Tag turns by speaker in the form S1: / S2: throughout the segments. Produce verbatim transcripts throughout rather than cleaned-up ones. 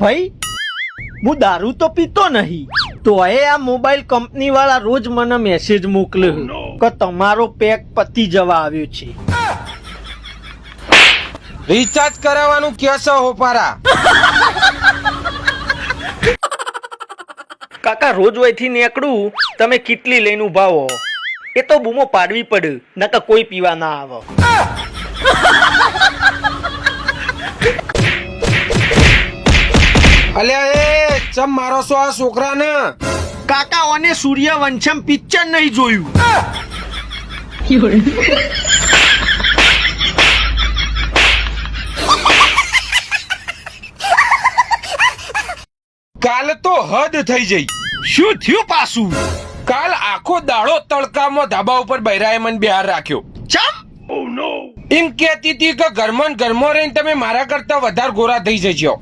S1: ભાઈ હું દારૂ તો પીતો નહીં, તો એ આ મોબાઈલ કંપની વાળા રોજ મને મેસેજ મોકલે કે તમારો પેક પતી જવા આવ્યો છે.
S2: રિચાર્જ કરાવવાનું કેસો હોપારા.
S1: કાકા રોજ વયથી નીકળું, તમે કેટલી લઈને ઉભા હો? એ તો બૂમો પાડવી પડે, નકર કોઈ પીવા ના આવે.
S2: અલ્યા એ ચમ મારો છો આ છોકરાને?
S1: કાકા ઓને સૂર્યવંશમ પિક્ચર નહીં જોયું.
S2: કાલ તો હદ થઈ જઈ.
S1: શું થયું પાછું?
S2: કાલ આખો દાડો તડકામાં ધાબા ઉપર બૈરાએ મને બિહાર રાખ્યો.
S1: ચમ?
S2: એમ કહેતી હતી કે ઘરમાં ને ઘરમાં રહીને તમે મારા કરતા વધારે ગોરા થઈ જશો.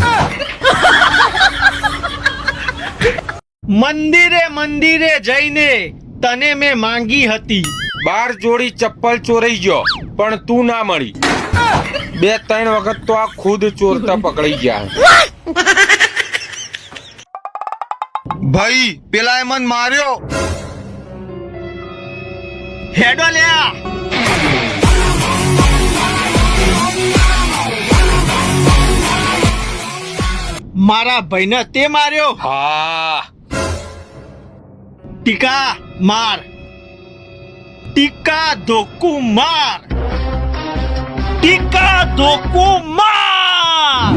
S1: મંદિરે મંદિરે જઈને તને મેં માંગી હતી.
S2: બાર જોડી ચપ્પલ ચોરાઈ ગયો પણ તું ના મળી. બે ત્રણ વખત તો આ ખુદ ચોરતા પકડાઈ ગયા.
S3: ભાઈ પેલા એ મન માર્યો.
S1: હેડો લ્યા. મારા ભાઈને તે માર્યો.
S2: હા
S1: ટીકા માર, ટીકા ધોકુ માર, ટીકા ધોકુ માર.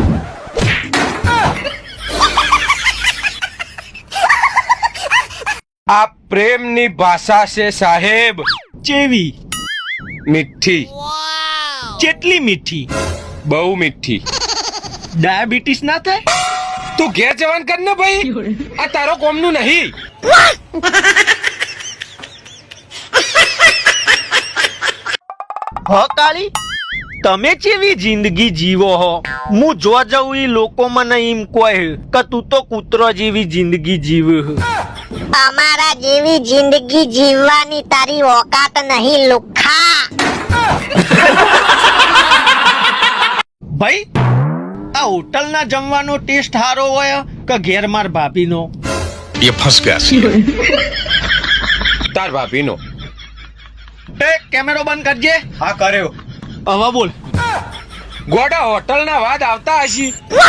S2: આ પ્રેમની ભાષા છે સાહેબ.
S1: ચેવી?
S2: મીઠી,
S1: કેટલી મીઠી?
S2: બહુ મીઠી.
S1: ડાયાબિટીસ ના થાય?
S2: તું ઘેર જવાન કર ને ભાઈ, આ તારો કોમનું નહીં.
S1: હ કાળી, તમે કેવી જિંદગી જીવો હો? હું જો જઉં ઈ લોકો મને એમ કહે કે તું તો કૂતરો જેવી જિંદગી જીવે.
S4: અમારા જેવી જિંદગી જીવવાની તારી ઓકાત નહીં લુખ્ખા.
S1: ભાઈ આ હોટલના જમવાનો ટેસ્ટ સારો હોય કે ઘેર માર ભાભીનો?
S3: ये फंस गया.
S2: તાર ભાભીનો.
S1: એ કેમેરો બંધ કરજે.
S3: हाँ કર્યો.
S1: હવે બોલ.
S2: ગોડા હોટલના વાદ આવતા હશી.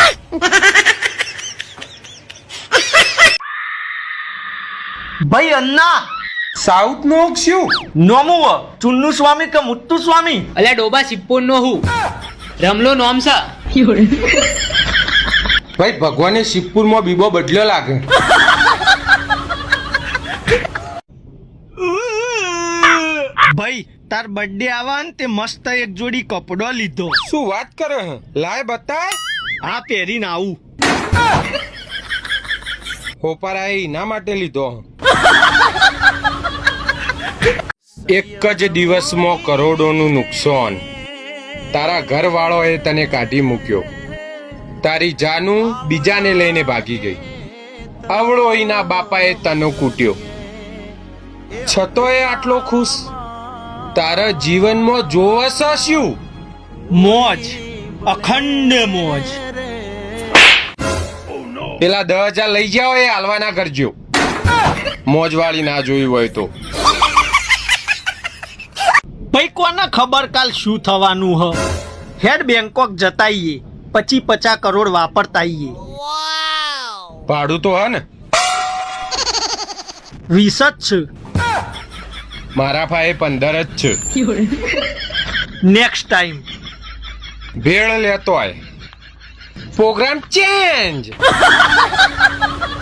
S1: ભાઈ અન્ના
S2: સાઉથ નો શું
S1: નોમું ચુન્નુ સ્વામી કે મુત્તુ સ્વામી?
S5: અલ્યા ડોબા સિપ્પોન નો હું રમલો નોમ સા.
S2: ભાઈ ભગવાને શિવપુર માં બીબો બદલ્યો લાગે.
S1: ભાઈ તાર બર્થડે આવા ને તે મસ્ત એક જોડી કપડો લીધો.
S2: શું વાત કરે હે? લાય બતાય.
S1: આ પહેરીને આવું.
S2: હોપારા એના માટે લીધો. એક જ દિવસમાં કરોડોનું નુકસાન. તારા ઘર વાળોએ તને કાઢી મૂક્યો. તારી જાનું બીજાને લઈને ભાગી ગઈ. અવળો એના બાપાએ તને કૂટ્યો. છતોય આટલો ખુશ. તારા જીવનમાં જોવસ શું?
S1: મોજ, અખંડ મોજ.
S2: પેલા દસ હજાર લઈ જાઓ એ હાલવા ના કરજો. મોજવાળી ના જોયું હોય તો.
S1: ભાઈ કોને ખબર કાલ શું થવાનું હ? હેડ બેંકોક જતાઈએ, પછી પચાસ કરોડ વાપરતાઈએ.
S2: ભાડું તો હે ને?
S1: વીસ જ છે.
S2: મારા પાસે પંદર જ છે.
S1: નેક્સ્ટ ટાઈમ
S2: ભેળ લેતો આય. Programme change.